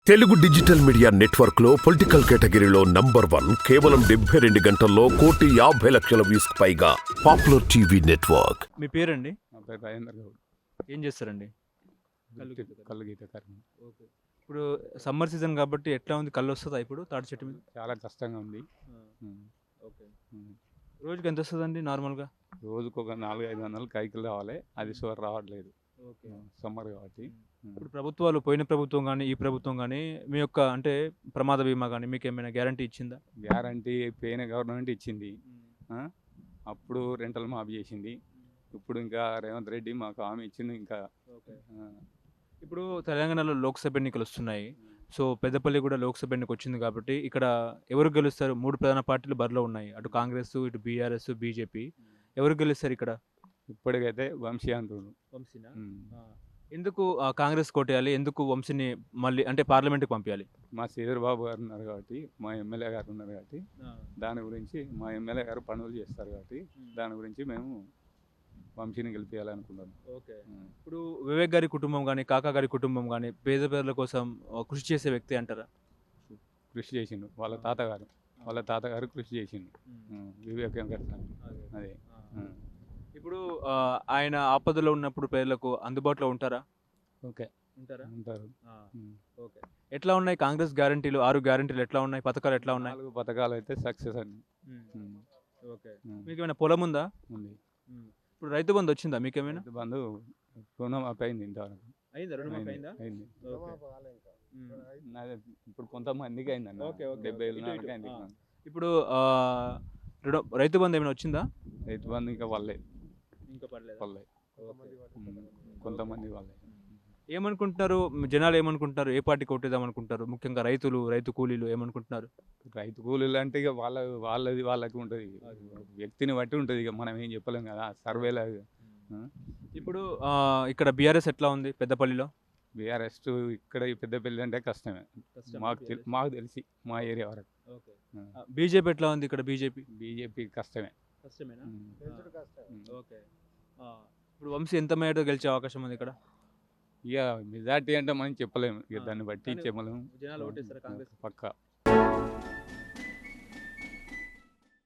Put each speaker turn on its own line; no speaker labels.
Telugu digital media network లో political కేటగిరీలో number 1 కేవలం 72 గంటల్లో 1,50,00,000 వ్యూస్ పైగా పాపులర్ టీవీ నెట్వర్క్.
మీ పేరండి?
నా పేరు రాజేంద్ర గౌడ్.
ఏం చేస్తారండి?
కళ్ళు గీతకారం.
ఓకే. ఇప్పుడు సమ్మర్ సీజన్ కాబట్టి ఎట్లా ఉంది? కళ్ళు వస్తుందా ఇప్పుడు తాటి చెట్టు మీద?
చాలా కష్టంగా ఉంది.
ఓకే.
ఉమ్.
రోజుకి ఎంత వస్తుందండి నార్మల్గా?
రోజుకు ఒక 400-500 కైకిలు రావాలి. అది షుగర్ రావట్లేదు.
ఓకే.
సమ్మర్ కాబట్టి.
ఇప్పుడు ప్రభుత్వాలు, పోయిన ప్రభుత్వం కానీ ఈ ప్రభుత్వం కానీ మీ యొక్క అంటే ప్రమాద బీమా కానీ మీకు ఏమైనా గ్యారంటీ ఇచ్చిందా?
గ్యారంటీ పోయిన గవర్నమెంట్ ఇచ్చింది. అప్పుడు రెంటల్ మాఫీ చేసింది. ఇప్పుడు ఇంకా రేవంత్ రెడ్డి మాకు హామీ ఇచ్చింది. ఇంకా
ఇప్పుడు తెలంగాణలో లోక్సభ ఎన్నికలు వస్తున్నాయి. సో పెద్దపల్లి కూడా లోక్సభ ఎన్నిక వచ్చింది కాబట్టి ఇక్కడ ఎవరు గెలుస్తారు? 3 ప్రధాన పార్టీలు బరిలో ఉన్నాయి. అటు కాంగ్రెస్, ఇటు బీఆర్ఎస్, బీజేపీ. ఎవరు గెలుస్తారు ఇక్కడ?
ఇప్పటికైతే వంశీ అంటున్నారు.
వంశీనా? ఎందుకు కాంగ్రెస్ కోటేయాలి? ఎందుకు వంశీని మళ్ళీ అంటే పార్లమెంట్కి పంపించాలి?
మా శ్రీధర్ బాబు గారు ఉన్నారు కాబట్టి, మా ఎమ్మెల్యే గారు ఉన్నారు కాబట్టి, దాని గురించి మా ఎమ్మెల్యే గారు పనులు చేస్తారు కాబట్టి దాని గురించి మేము వంశీని గెలిపించాలనుకున్నాను.
ఓకే. ఇప్పుడు వివేక్ గారి కుటుంబం కానీ, కాకా గారి కుటుంబం కానీ పేద ప్రజల కోసం కృషి చేసే వ్యక్తి అంటారా?
కృషి చేసిండు. వాళ్ళ తాతగారు కృషి చేసిండు. వివేక్ గారు అదే.
ఇప్పుడు ఆయన ఆపదలో ఉన్నప్పుడు పేదలకు అందుబాటులో ఉంటారా?
ఓకే.
ఉంటారు. ఓకే. ఎట్లా ఉన్నాయి కాంగ్రెస్ గ్యారంటీలు? 6 గ్యారంటీలు ఎట్లా ఉన్నాయి? పథకాలు ఎట్లా ఉన్నాయి?
4 పథకాలు అయితే సక్సెస్ అండి.
ఓకే. మీకు ఏమైనా పొలం ఉందా?
ఉంది.
ఇప్పుడు రైతు బంధు వచ్చిందా మీకేమైనా?
రైతు బంధు రుణమాఫీ అయింది ఇంతవరకు.
అయిందా? రుణమాఫీ అయిందా?
అయింది.
ఓకే.
నాది ఇప్పుడు కొంతమందికి అయిందండి.
ఓకే, ఓకే,
70,000
ఇటు,
నాలుగు అయింది.
ఇప్పుడు రైతు బంధు ఏమైనా వచ్చిందా?
రైతు బంధు ఇంకా పడలేదు.
ఇంకా పడలేదు.
కొంతమంది వాళ్ళే.
ఏమనుకుంటున్నారు జనాలు? ఏమనుకుంటున్నారు? ఏ పార్టీ కొట్టేద్దాం అనుకుంటారు? ముఖ్యంగా రైతులు, రైతు కూలీలు ఏమనుకుంటున్నారు?
రైతు కూలీలు అంటే ఇక వాళ్ళకి ఉంటుంది. వ్యక్తిని బట్టి ఉంటుంది. ఇక మనం ఏం చెప్పలేం కదా సర్వేలో.
ఇప్పుడు ఇక్కడ బీఆర్ఎస్ ఎట్లా ఉంది పెద్దపల్లిలో?
బీఆర్ఎస్ ఇక్కడ ఈ పెద్దపల్లి అంటే కష్టమే మాకు తెలిసి మా ఏరియా వరకు.
బీజేపీ ఎట్లా ఉంది ఇక్కడ?
బీజేపీ కష్టమే.
కష్టమేనా? ఓకే. ఇప్పుడు వంశీ ఎంత మేర గెలిచే అవకాశం ఉంది ఇక్కడ?
ఇక మెజార్టీ అంటే మనం చెప్పలేము. ఇక దాన్ని బట్టి చెప్పలేము.
జనాలు ఓటేస్తారా కాంగ్రెస్?
పక్కా.